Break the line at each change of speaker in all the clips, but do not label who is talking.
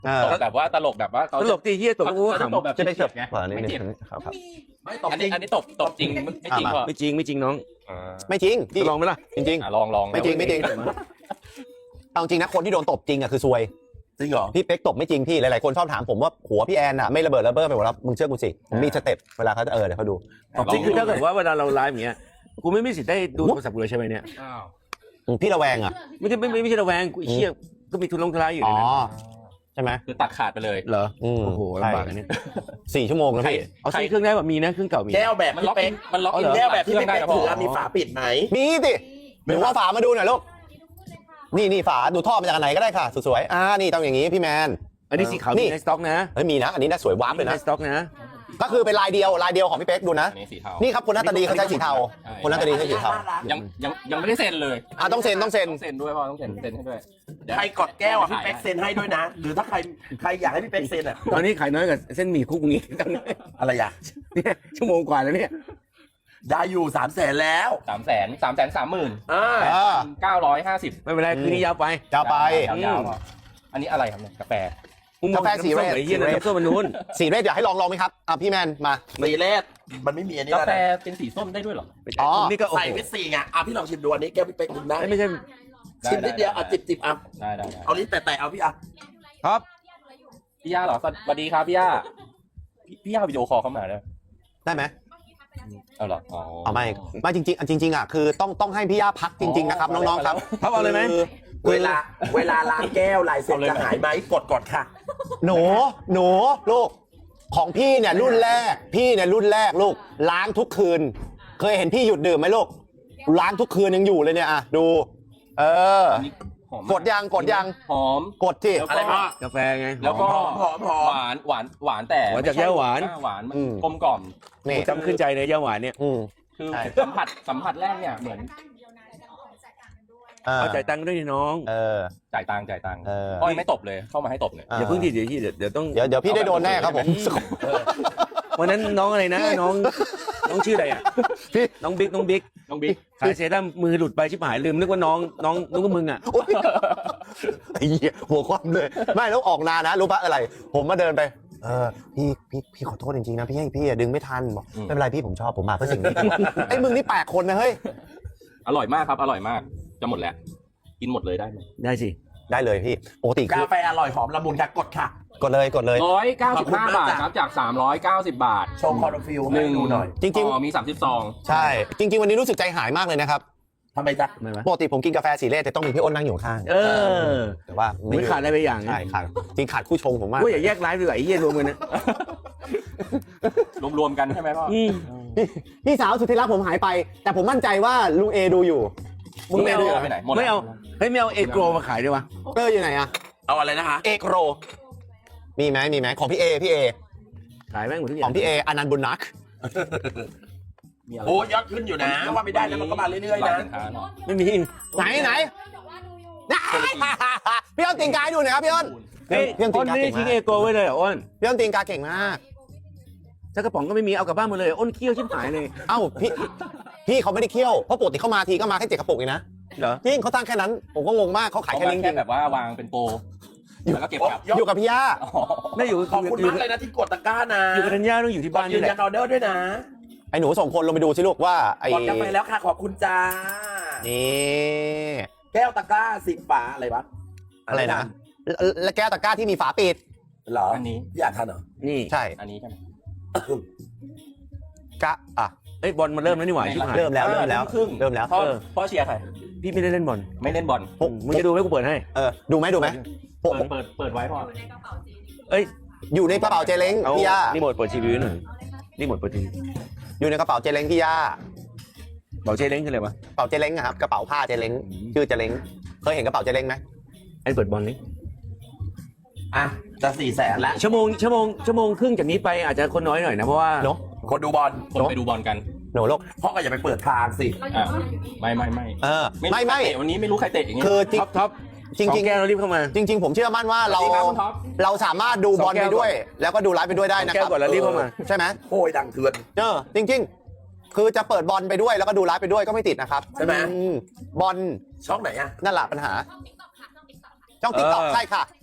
ตบแบบว่าตลกแบบว่าตลกตีเฮียตบกูขำแบบจะได้เจ็บไงไม่เจ็บครับอันนี้ตบจริงไม่จริงพอไม่จริงน้อง
ไม่จริง
ลองไหมล่ะ
จริง
ลอง
ไม่จริงเอาจริงนะคนที่โดนตบจริงอ่ะคือซวย
จริงเหรอ
พี่เป๊กตบไม่จริงพี่หลายๆคนชอบถามผมว่าหัวพี่แอนอ่ะไม่ระเบิดระเบ้อไปหมดแล้วมึงเชื่อกูสิมีสเต็ปเวลาเขาจะเดี๋ยวเขาดู
จริงคือถ้าเกิดว่าเวลาเราไลฟ์อย่างเงี้ยกูไม่มีสิทธิ์ได้ดูโทรศัพท์กูเลยใช่ไหมเนี่ย
พี่ระแวงอ่ะ
ไม่ใช่ระแวงกูเชี่ยก็มีทุนลงทุนอยู่
อ๋อใช่ไหม
คือตัดขาดไปเลยเหรอโอ้โหลำบากอันนี้
4 ชั่วโมงแล้วพี่
เอาใช้เครื่องได้แบบมีนะเครื่องเก่ามี
แก้วแบบมันล็อกแก้วแบบที่ไม่ถือมีฝาปิดไหม
มีสิหรือว่าฝามาดูหน่อยลูกนี่ฝาดูท่อมาจากไหนก็ได้ค่ะสวยๆนี่ต้องอย่างนี้พี่แมน
อันนี้สีขาวมีในสต็อกนะ
มีนะอันนี้น่าสวยวาร์ปเลยนะ
ในสต็อกนะ
ก็คือเป็นลายเดียวของพี่เป๊กดูนะนี่ครับคนหน้าตาดีเขาใช้สีเทาคนหน้าตาดีใช้สีเทา
ยังไม่ได้เซ็นเลย
ต้องเซ็น
ด้วยพ่อต้องเซ็นให้ด้วย
ใครกดแก้วพี่เป๊กเซ็นให้ด้วยนะหรือถ้าใครอยากให้พี่เป๊กเซ็น
ตอนนี้ขายน้อยกว่าเส้นหมี่คุกงี้
อะไรอย่าง
เนี่ยชั่วโมงกว่าแล้วเนี่ย
ได้อยู่300,000แล้ว
330,950ไม่เป็นไรคืนนี้ยาวไปอันนี้อะไรครับเนี่ยกาแฟ
สีเรศ
ส้มมันนู้น
สีเรศอยากให้ลองไหมครับพี่แมนมา
สีเรศมันไม่มีอันนี้
กาแฟเป็นสีส้มได้ด้วยหรอ
นี่ก็ใส่เป็นสีไงพี่ลองชิมดูอันนี้แก้วพี่เป๊กกินได้
ไม่ใช่
ชิมนิดเดียวจิบ
ได้
เอาลิ้นแต่เอาพี่
ครับพี่ย่าเหรอสวัสดีครับพี่ย่าวิดีโอคอลเข้ามา
ได้ไหม
เอาหรอ
เอาไม่จริงอ่ะคือต้องให้พี่ย่าพักจริงๆนะครับน้องๆครับ
พักเอาเลยไหม
เวลาล้างแก้วลายเซ็นจะหายไหมกดค่ะ
หนูลูกของพี่เนี่ยรุ่นแรกลูกล้างทุกคืนเคยเห็นพี่หยุดดื่มไหมลูกล้างทุกคืนยังอยู่เลยเนี่ยดูกดยัง
หอม
กดที่
อะไรบ้าง
กาแฟไงแล้วก็หวานแต่จากย่าหวานมันกลมกล่อมนี่จำขึ้นใจเลยย่าหวานเนี่ยคือสัมผัสแรกเนี่ยเหมือนเอาจ่ายตังค์ด้วยน้องจ่ายตังค์อ้อยไม่ตบเลยเข้ามาให้ตบเลยอย่าเพิ่งทีเดี๋ยวต้อง
เดี๋ยวพี่ได้โดนแน่ครับผม
วันนั้นน้องอะไรนะน้องชื่ออะไรอ่ะพี่น้องบิ๊กขายเซรั่มมือหลุดไปชิบหายลืมนึกว่าน้องนึกว่ามึงอ่ะ
ไอ้เหี้ยหัวคว่ำเลยไม่แล้วออกนานนะรู้ปะอะไรผมมาเดินไปพี่ขอโทษจริงๆนะพี่ดึงไม่ทันบอกไม่เป็นไรพี่ผมชอบผมมาเพื่อสิ่งนี้ไอ้มึงนี่แปลกคนนะเฮ้ย
อร่อยมากครับอร่อยมากจะหมดแล้วกินหมดเลยได้ไหมได้สิ
ได้เลยพี่ปกติ
กาแฟอร่อยหอมละมุนค่ะกด
เลย
195 บาทครับจาก390 บาท
ชงคอร์ฟิลให้ดูหน่อย
จริง
ๆมี30 ซอง
ใช่จริงๆวันนี้รู้สึกใจหายมากเลยนะครับ
ทำไมจ๊ะ
ปกติผมกินกาแฟสีเรศแต่ต้องมีพี่อ้นนั่งอยู่ข้างแต่ว่า
ไม่ขาดอะไรไปอย่าง
ใช่ขาดจริงขาดคู่ชงผมมาก
อย่าแยกไลฟ์ดีกว่าไอ้เหี้ยรวมกันนะรวมกันใช่ไหมพ่อ
พี่สาวสุดที่รักผมหายไปแต่ผมมั่นใจว่าลุงเอดูอยู่
มึงไม่เอาไปไหนไม่เอาไม่เอาเอโกรมาขายด้วยวะ
อยู่ไหนอะ
เอาอะไรนะคะ
เอโกรมีไหมของพี่เอ
ขายแม่งหมดทุกอย่าง
ของพี่เออนันต์บุญนัก
โอ้ยอดขึ้นอยู่นะว่าไม่ได้นะมันก็มาเรื่อยๆนะ
ไม่มี
ไหนพี่อ้นตีนกาดูหน่อยครับพี่อ้น
พี่อ้นไม่ได้ทิ้งเอโกไว้เลยอ้น
พี่อ้นตีนกาเก่งมาก
ถ้ากระป๋องก็ไม่มีเอากลับบ้านหมดเลยอ้นเคี้ยวชิบหายเลย
เอ้าพี่เขาไม่ได้เคี่ยวเพราะปกติเขามาทีก็มาแค่7 กระปุกเองนะ
เหรอ
จริงเขาตั้งแค่นั้นผมก็งงมากเขาขายแค่นี้จริง
แบบว่าวางเป็นโปรแล้วก็เก็บ
อยู่กับพี่ย่า
ไม่อยู่
ขอบคุณมากเลยนะที่กดตะกร้านะ
อยู่กับธัญญาต้องอยู่ที่บ้าน
ยืนยันออเดอร์ด้วยนะ
ไอ้หนูส่งคนลงไปดูสิลูกว่าไอ้
กดกันไปแล้วค่ะขอบคุณจ้า
นี่
แก้วตะกร้า10 ฝาอะไรวะ
อะไรนะแล้วแก้วตะกร้าที่มีฝาปิด
เหรออันนี้อยากทานเหรอ
นี่ใช่
อันนี้ใช่ไหม
กะ
บอลมันเริ่มแล้วนี่หว่า
เริ่มแล้ว
พ่อเชียร์ใครพี่ไม่ได้เล่นบอลไม่เล่นบอลมึงจะดูไหมกูเปิดให้
ดูไหม
เปิดไว้พ่อ
อยู่ในกระเป๋าเจเล้งพี่ย่า
นี่หมดเปิดทีวีหน่อยนี่หมดเปิดทีวี
อยู่ในกระเป๋าเจเล้งพี่ย่า
เป๋าเจเล้งคืออะไรวะ
กระเป๋าเจเล้งครับกระเป๋าผ้าเจเล้งชื่อเจเล้งเคยเห็นกระเป๋าเจเล้งไหม
เปิดบอลนี่
จะ400,000แล้ว
ชั่วโมงครึ่งจากนี้ไปอาจจะคนน้อยหน่อยนะเพราะว่า
คนดูบอล
คนไปดูบอลกัน
โหนโลก
พ่อก็อย่าไปเปิดทางสิ
ไม่วันนี้ไม่รู้ใครเตะอย่างงี้
คือ
ท็อปจริง
แก
เรารีบเข้ามา
จริงผมเชื่อมั่นว่าเราสามารถดูบอลไปด้วยแล้วก็ดูไลฟ์ไปด้วยได้นะครับ
แก้วก่อนแล้วรีบเข้ามา
ใช่ไหม
โอ้ยดังเถื่อน
จริงคือจะเปิดบอลไปด้วยแล้วก็ดูไลฟ์ไปด้วยก็ไม่ติดนะครับ
ใช่ไหม
บอล
ช่องไหนอ่ะ
นั่นแหละปัญหาช่อง TikTok ใช่ค่ะ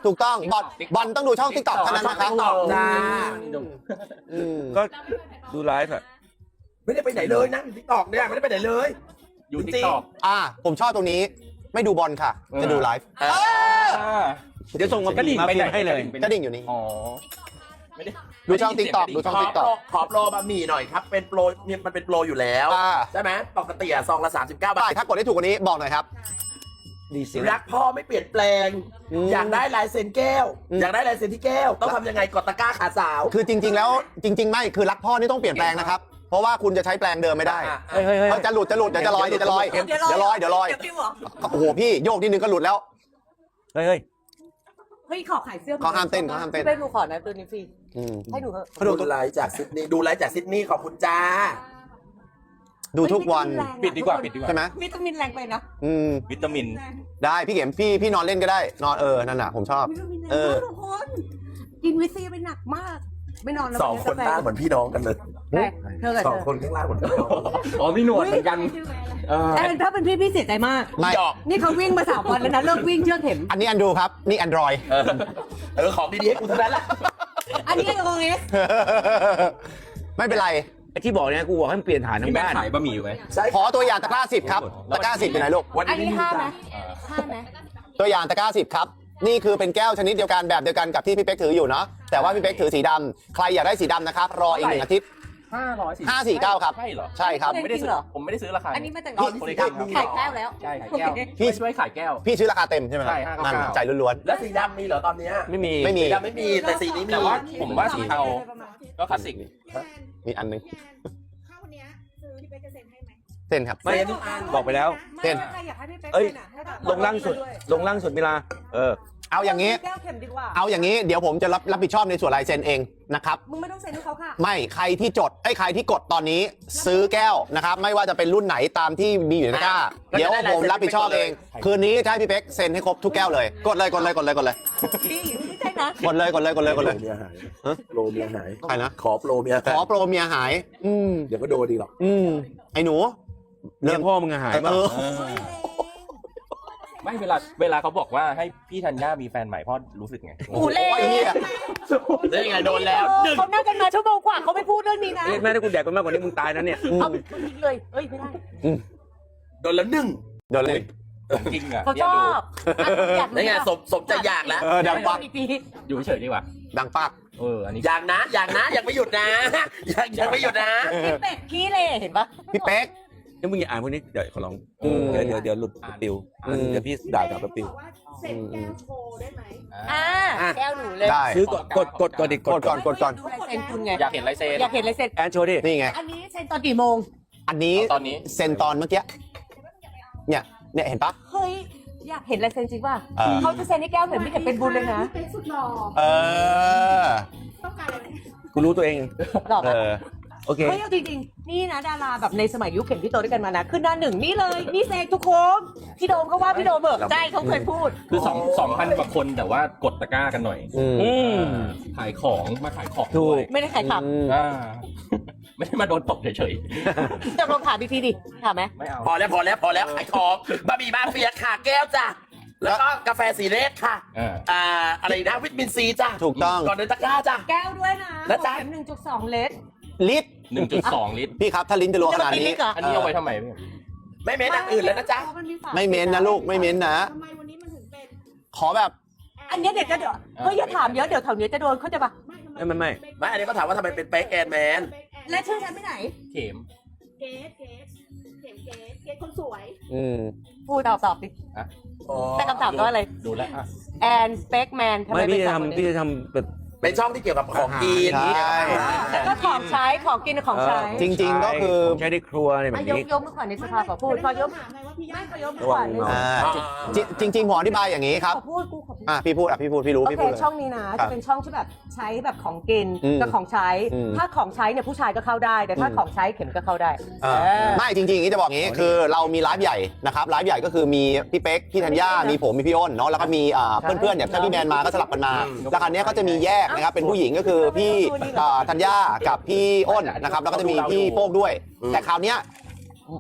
ถูกต้องบอลต้องดูช่อง TikTok เท่านั้นนะครับ
ตอบจ้า
ก็ดูไลฟ์อะ
ไม่ได้ไปไหนเลยนั่งอยู่ที่ตอกเนี่ยไม่ได้ไปไหนเลย
อยู่ติ๊กต็อก
ผมชอบตรงนี้ไม่ดูบอลค่ะ จะดูไลฟ์
เดี๋ยวส่งมากระดิ่งมาให้เลย
กระดิ่งอยู่นี่
อ๋อไม่ได้
ดูช่อง TikTok ดูช่อง TikTok
ขอโปรบะหมี่หน่อยครับเป็นโปรมันเป็นโปรอยู่แล้ว ใช่ไหมปกติซองละ39 บา
ได้
ท
ถ้ากดได้ถูกกว่านี้บอกหน่อยครับ
ดีสิ
รักพ่อไม่เปลี่ยนแปลง อยากได้ลายเซ็นแก้ว อยากได้ลายเซ็นที่แก้ว ต้องทำยังไงกดตะกร้าขาสาว
คือจริง ๆ แล้วจริง ๆ ไม่คือรักพ่อนี่ต้องเปลี่ยนแปลงนะครับ เพราะว่าคุณจะใช้แปลงเดิมไม่ได้
เฮ้ย
จะหลุดเดี๋ยวจะลอยเดี๋ยวจะลอยเดี๋ยวลอยโอ้โหพี่โยกนิดนึงก็หลุดแล้ว
เฮ้ย
เฮ้ยขอขายเสื้อ
เขาห้ามเต้นเขาห้ามเต้น
พี่ไปดูขอนะตัวนี้ฟรีให้หนูเถอะ
ดูไลฟ์จากซิดนีย์ดูไลฟ์จากซิดนีย์ขอบคุณจ้า
ดูทุกวัน
ปิดดีกว่าปิดดีกว่า
ใช่ไหม
วิตามินแรงไปนะ
วิตามิน
ได้พี่เข็มพี่นอนเล่นก็ได้นอนนั่นน่ะผมชอบ
วิตามินแรงมากทุกคนกินวิซีไปหนักมาก ไม่นอนแล้ว
สองคนหน้าเหมือนพี่น้องกันเลย
แต่เธอกับ
สอง
เธอ
คนข้างล่างเหมือนพี่น้อง
อ๋อมีหนวดเหมือนกัน
แต่ถ้าเป็นพี่เสียใจมาก
ไม่
หยอก
นี่เขาวิ่งมา3 วันแล้วนะเลิกวิ่งเชื่อเข็ม
อันนี้อันดูครับนี่ Android
ของดีๆให้กูทั้งนั้นแหละ
อันนี้โอเอส
ไม่เป็นไร
ไอ้ที่บอกเนี่ยกูบอกให้มันเปลี่ยนฐานทั้
พี่
ง
แม่
บ้าน
ขายบะหมี่อยู่ไหม
ใช่
ขอตัวอย่างตะกร้า10ครับตะกร้า10อยู่ไหนลูก
อันนี้5ไหม5ไหม
ตัวอย่างตะกร้า10ครับนี่คือเป็นแก้วชนิดเดียวกันแบบเดียวกันกับที่พี่เป๊กถืออยู่เนาะแต่ว่าพี่เป๊กถือสีดำใครอยากได้สีดำนะครับรออีก1 อาทิตย์ 549ครับ
ใช่เหรอ
ใช่ครับ
ผมไม่ได้ซื้อผมไม่ได้ซื้อราคา
อันนี้มาจาก
คนละครึ่งครับ
ขายแก้วแล้ว
ใช่ขายแก้วพี่ช่วยขายแก้ว
พี่ซื้อราคาเต็มใช่ไหม
ใช่599
นั่นจ่ายล้วน
แล้วสีดำมีเหรอตอนเนี้ย
ไม่มี
ๆไม่มี
สีดำไม่มีแต่สีนี้มี
แต่ว่าผมว่าสีเทาก็คลาสสิก
มีอันนึง
ข้าวเนี้ยซื้อที่เป๊กจะเซ็นให้ไหม
เส้นครับ
ไม่บอกไปแล้ว
เต้น
ใครอยากให้พี่เป๊ก
เอ้ย
เซ็นอะให้แบบ
ลงล่างสุดเวลา
เอาอย่างนี้
แก้วเข็มดีกว่า
เอาอย่างนี้เดี๋ยวผมจะรับผิดชอบในส่วนลายเซ็นเองนะครับ
มึงไม่ต้องเซ็นให้เขาค่ะ
ไม่ใครที่ใครที่กดตอนนี้ซื้อแก้วนะครับไม่ว่าจะเป็นรุ่นไหนตามที่มีอยู่ในตะกร้าเดี๋ยวผมรับผิดชอบเอง คืนนี้จะให้พี่เป๊กเซ็นให้ครบทุกแก้วเลยกดเลย
ดีไม่ใช่นะ
กดเลย
โปรเมียหายโปรเมียหาย
ใครนะ
ขอโปรเมีย
ขอโปรเมียหาย
เดี๋ยวก็โดนดีหรอก
ไอ้หนู
เรื่องพ่อมึงอะหายป่ะ
ไม่เวลาเขาบอกว่าให้พี่ธัญญามีแฟนใหม่พ่อรู้สึกไง
กูเล่
ไอ้เหี้ย
ได้ไงโดนแล้วหนึ่ง
เขานั่งกันมาชั่วโมงกว่าเขาไม่พูดเรื่องนี้นะ
เรียกแม่ถ้ากูแดกไปมากกว่านี้มึงตายนะเนี่ย
เอาไปทิ้งเลยเอ้ยไม่ได้
โดนแล้วหนึ่ง
เดี๋ยวเลย
จริงอ่ะ
เขาชอบอยาก
ได้ไงสมใจอยากแล้ว
ดังปัก
อยู่เฉยๆดีกว่า
ดังปัก
อันนี้
อยากนะอยากไม่หยุดนะอยากไม่หยุดนะ
พี่เป็ดขี้เลยเห็นปะ
พี่เป๊ก
นี่มึงอย่าอ่านพวกนี้เดี๋ยวขอร้องเดี๋ยวหลุดปิวเดี๋ยวพี่ด่ากลับมาปิว
บอกว่าเซ็นแก้วโชว์ได้ไหม
แก้วหนูเลย
ได้
ซื้อกดก่อนดิ
กดก่อน
ดูลายเซ็นคุณไง
อยากเห็นลายเซ็น
อยากเห็นลายเซ็น
แอนโชว์ดิ
นี่ไง
อันนี้เซ็นตอนกี่โมง
อันนี้
ตอนนี้
เซ็นตอนเมื่อกี้เนี่ยเห็นปะ
เฮ้ยอยากเห็นลายเซ็นจริงป่ะ
เออ
เขาจะเซ็นให้แก้วเห็นไม่เห็นเป็นบุญเลยนะ
พี่เป๊กสุดหล่อ
เออ
ต้องการอะไร
กูรู้ตัวเอง
หรอปะ
โอเค
เฮ้ยเอาจริงๆนี่นะดาราแบบในสมัยยุคเข็มที่โตด้วยกันมานะขึ้นหน้าหนึ่งนี่เลยนี่เซกทุกคนพี่โดมก็ว่าพี่โดมเบิกใช่เขาเคยพูด
คือ2,000 กว่าคนแต่ว่ากดตะกร้ากันหน่อย ขายของมาขายของ
ถูก
ด้วย
ไม่ได้ขายขับ
ไม่ได้มาโดนตบเฉย
จะลองถามอีกทีดิถามไหม
ๆไม่เอา
พอแล้วขายของบะหมี่มาเฟียค่ะแก้วจ้ะแล้วก็กาแฟสีเรศค่ะอะไรนะวิตามินซีจ้ะ
ถูกต้อง
ก่อนเดินตะกร้าจ้ะ
แก้วด้วยนะ
แล้วจ๊ะ
เข็ม1.2 ลิตร
ลิตร
1.2 ลิตร
พี่ครับถ้าลิ้นจะรัวขนาดนี้
อันนี้เอาไว้ทำไมพี่
ไม่เม้นอย่างอื่นแล้วนะจ๊ะ
ไม่เม้นนะลูกไม่เม้นนะ
ทำไมวันนี้มันถึงเป็น
ขอแบบ
อันเนี้ยเดี๋ยวเฮ้ยอย่าถามเยอะเดี๋ยวแถวเนี้ยจะโดนเขาใจปะ
ไม่
ไม่อันนี้ก็ถามว่าทำไมเป็นเป๊กแอนแมน
และชื่อฉันไปไหน
เข็ม
เกสเกสคนสวย
พูดตอบดิ
อ่ะ
แต่คำถามก็อะไร
ดูแล้วอ่ะ
แอนสเปกแมนทำไม
ไม่
เป็
พี่
น
จะ
สามคน
ทำพี่
นี้
จะทำแบบ
เป็นช่องที่เกี่ยวกับของกิน
ใช่
ก็ของใช้ของกินกับของใช้
จริงๆก็คือ
ใช้ในครัวอะไรแบบ
ย
นี้
กมือขวาในสภาขอพูดขอยก
ถามไงว่าพี่ย่า
ไม่ขอยกมือขวาในส
อ่า
ภา
จริงๆผมอธิบายอย่างนี้ครับ
ขอพูดกูขอพูด
พี่พูดพี่รู้
โอ
พี่
เค
พูดเลย
ช่องนี้นะจะเป็นช่องที่แบบใช้แบบของกิน
อืม
กับของใช้
อืม
ถ้าของใช้เนี่ยผู้ชายก็เข้าได้ แต่ถ้าของใช้เข็มก็เข้าได้
ไม่จริงๆอย่างนี้จะบอกอย่างนี้คือเรามีไลฟ์ใหญ่นะครับไลฟ์ใหญ่ก็คือมีพี่เป๊กพี่ธัญญามีผมมีพี่อ้นเนาะแล้วก็มีเพื่อนๆเนี่ยถ้าพี่แมนมาก็สลับกันมาแล้วคราวนี้ก็จะมีแยกนะครับเป็นผู้หญิงก็คือพี่ธัญญากับพี่อ้นนะครับแล้วก็จะมีพี่โป้งด้วย แต่คราวเนี้ย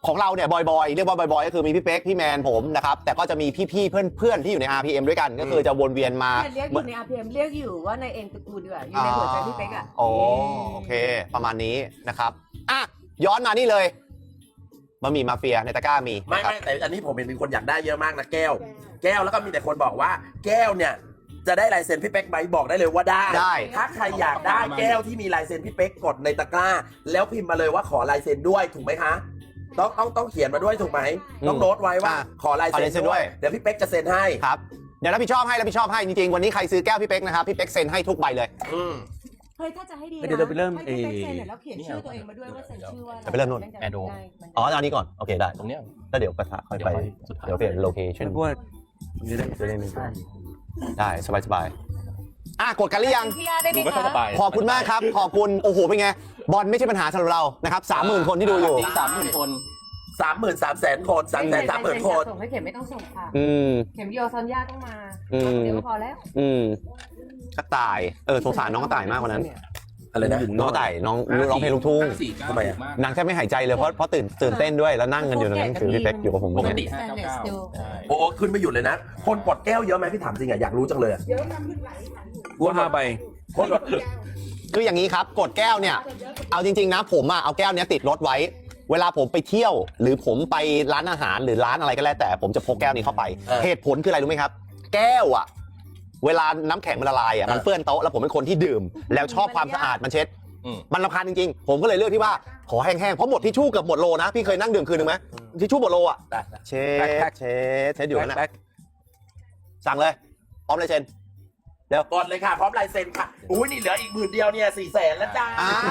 ของเราเนี่ยบอยเรียกว่าบอยก็คือมีพี่เป๊กพี่แมนผมนะครับแต่ก็จะมีพี่ๆเพื่อนๆที่อยู่ใน RPM ด้วยกันก็คือจะวนเวียนมา
เรียกอยู่ใน RPM เรียกอยู่ว่าในเอ็นตระกูลดีกว่าอยู่ในหัวใจพี่เป๊กอ่ะ
โอเคประมาณนี้นะครับอ่ะย้อนมานี่เลยบะหมี่มาเฟียในตะกร้ามี
ไม่
นะครับ
แต่อันนี้ผมเห็นมีคนอยากได้เยอะมากนะแก้วแล้วก็มีแต่คนบอกว่าแก้วเนี่ยจะได้ลายเซ็นพี่เป๊กไหมบอกได้เลยว่าได้ถ้าใครอยากได้แก้วที่มีลายเซ็นพี่เป๊กกดในตะกร้า แล้วพิมพ์มาเลยว่าขอลายเซ็นด้วยถูกไหมคะต้องเขียนมาด้วยถูกไหมต้องโน้ตไว้ว่าขอลายเซ็นด้วยเดี๋ยวพี่เป๊กจะเซ็นให้
ครับเดี๋ยวรับผิดชอบให้จริงๆวันนี้ใครซื้อแก้วพี่เป๊กนะครับพี่เป๊กเซ็นให้ทุกใบเลย
เฮ้ยถ้าจะให้ดีนะ
เดี๋ยวเราไปเริ่ม
ให้พี่เป๊กเซ็นแล้วเขียนชื่อตัวเองมาด้วยว่าเซ็นชื่อว่า
ไปเริ่มนู่น
แอดโด
อ๋อเอาอันนี้ก่อนโอเคได้
ตรงเนี้ย
แล้วเดี๋ยวกระทะค่อยไปเดี๋ยวเปลี่ยนโลเคชั่น
เพราะว่าจะได้
จะได้ไม่ได้สบายกดกันหรือยัง
พี่อาได้ไหม
ดูไม่ค่อยส
คะ
บาย
ขอบคุณมากครับขอบคุณโอ้โหเป็นไงบอลไม่ใช่ปัญหาสำหรับเรานะครับ30,000 คนที่ดูอยู่
30,000 คน
33,000 คน330,000 คน
ส่งให้เข็มไม่ต้องส่งค่ะ เข็มโยซอนย่าต้องมา เดี๋ยวพอแล้ว
กระต่ายสงสารน้องกระต่ายมากกว่านั้น
อะไรนะ
น้องกระต่ายน้องร้องเพลงลูกทุ่ง
ทำไมอะ
นางแทบไม่หายใจเลยเพราะตื่นเต้นด้วยแล้วนั่งกันอยู่ตรงนั้นคือพี่เป๊กอยู่กับผม
ปกติ
เนี่ย
599ใช่
โอ้ขึ้นไม่หยุดเลยนะ คนกดแก้วเยอะไหมพี่ถามจริงอะอยากรู้จังเลยอะ
กู5ใบ
คนกด
คืออย่างนี้ครับกดแก้วเนี่ยเอาจริงๆนะผมเอาแก้วเนี้ยติดรถไว้ เวลาผมไปเที่ยว หรือผมไปร้านอาหารหรือร้านอะไรก็แล้วแต่ผมจะพกแก้วนี้เข้าไป เหตุผลคืออะไรรู้ไหมครับ แก้วอ่ะเวลาน้ำแข็งมันละลายอ่ะมันเปื้อนโต๊ะแล้วผมเป็นคนที่ดื่ม แล้วชอบความสะอาดมันเช็ดมันรำคาญจริงๆผมก็เลยเลือกที่ว่าขอแห้งๆเพราะหมดทิชชู่เกือบหมดโลนะพี่เคยนั่งดื่มคืนนึงไหมทิชชู่หมดโลอ่ะเช็ดอยู่นั่นแหละสั่งเลยพร้อมเลยเชน
กดเลยค่ะพร้อมลายเซ็นค่ะอุ้ยนี่เหลืออีก10,000เดียวเนี่ย400,000แล้วจ้า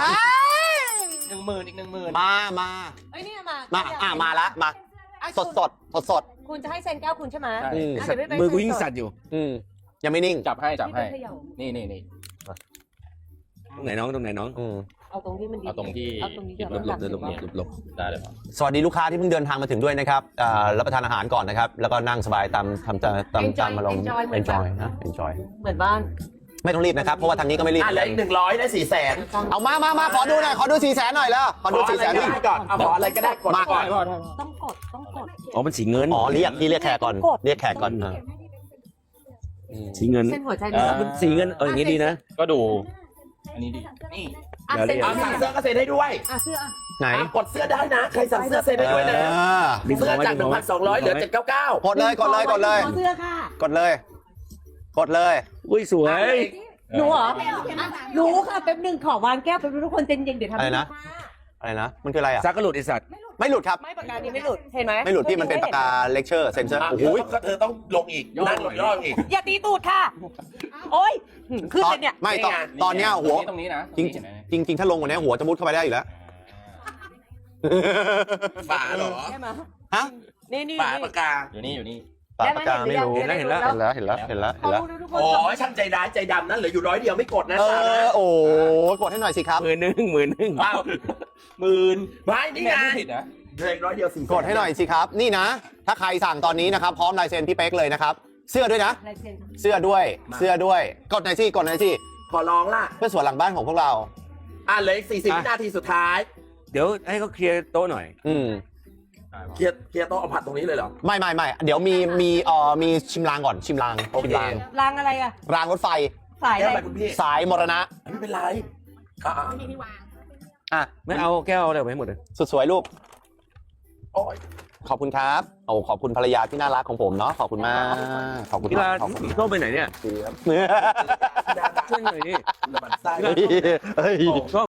10,000อีก 10,000
มา
เอ้ยเนี่ยมา
มาละมาสด
คุณจะให้เซ็นแก้วคุณใช่ไหม
ใช่
มือกูยิ่งสั่นอยู่
ยังไม่นิ่ง
จับให้นี่
ตรงไหนน้อง
เอาตรงที่มันดี
เอาตรงที่
เอาตรงนี้
หลบ
ได้เลยครับ
สวัสดีลูกค้าที่เพิ่งเดินทางมาถึงด้วยนะครับรับประทานอาหารก่อนนะครับแล้วก็นั่งสบายตามมาลง enjoy นะ enjoy
เหมือนบ้าน
ไม่ต้องรีบนะครับเพราะว่าทางนี้ก็ไม่รีบ
เหลืออีก100ได้400,000
เอามาขอดูหน่อยขอดู400,000หน่อยแล้วขอดู
ขออะไร
400,000
ก็ได้ก่อนเอาขออะไรก็ได้กด
มา
ก่อน
ต้องกด
อ๋อมันสีเงิน
อ๋อเรียกแขกก่อนเรียกแขกก่อน
สีเงิน
เส้นหัวใจดี
มันสีเงินอย่างงี้ดีนะ
ก็ดู อันนี้ดี นี่
เซ็น
เอาสั่งเสื้อก็เซ็นให้ด้วย
เสื้อ
ไหน
กดเสื้อได้นะใครสั่งเสื้อเซ็นให้ด้วยนะเสื้อจาก 1,200 เหลือ799
กดเลย
ขอเสื้อค่ะ
กดเลย
อุ้ยสวย
หนูเหรอรู้ค่ะแป๊บนึงขอวางแก้วแป๊บนึงทุกคนเย็นๆเดี๋ยวทำ
อะไรนะมันคืออะไรอ่ะ
ซักกระหลุดไอสัตว์
ไม่หลุดครับ
ไม่ปากกานี้ไม่หลุดเห็นไหม
ไม่หลุดพี่มันเป็นปากกาเลคเชอร์เซนเซอร์โอ้โห
ก็เธอต้องลงอีกนั่งย่ออีก
อย่าตีตูดค่ะ โอ๊ยขึ้นเลยเนี่ย
ไม่ตอนเนี้ยหัว
ตรงนี้นะ
จริงถ้าลงกว่านี้หัวจะมุดเข้าไปได้อยู่แล้ว
ฝาเหรอ
ใช่ไหม
ฮะ
นี่
ฝาปากกา
อยู่นี่
ปากกาไม่รู้
เห็นแล้ว
ทุกคน
โอ้ยช่างใจร้ายใจดำนั่นเหลืออยู่100เดียวไม่กดนะ
โอ้กดให้หน่อยสิครับ
มือหนึ่ง
อ้าว10,000ไม่นี่ไง
ผิดนะ
เหลืออีก100เดียว400,000
กดให้หน่อยสิครับ นี่นะ ถ้าใครสั่งตอนนี้นะครับ พร้อมลายเซ็นพี่เป๊กเลยนะครับ เสื้อด้วยนะ
ลายเซ็น
เสื้อด้วย กดหน่อยสิ
ขอร้องล่ะ
เพื่อสวนหลังบ้านของพวกเรา
เหลืออีก40 วินาทีสุดท้าย
เดี๋ยวให้เขาเคลียร์โต๊ะหน่อย
เคลียร์โต๊ะเอาผัดตรงนี้เลยเหรอ
ไม่เดี๋ยวมีชิมรางก่อนชิมราง
รางอะไรอะ
รางรถไฟ
สาย
แก้
อะ
ว
ไร
ไปคุณพี่
สายมรณะ
ไม่เป็นไร
ไม่มีที่วาง
อ่ะ
ไม่เอาแก้วอะไรไปให้หมดเลย
สุดสวยลูก
โอ้ย
ขอบคุณครับขอบคุณภรรยาที่น่ารักของผมเนาะขอบคุณมากขอบคุณ
พี่ลา
ขอบคุณ
โต๊ะไปไหนเนี่ย
ครับ
ช่วยหน่อยดิ
มันไส้
เฮ้ย
ชอบ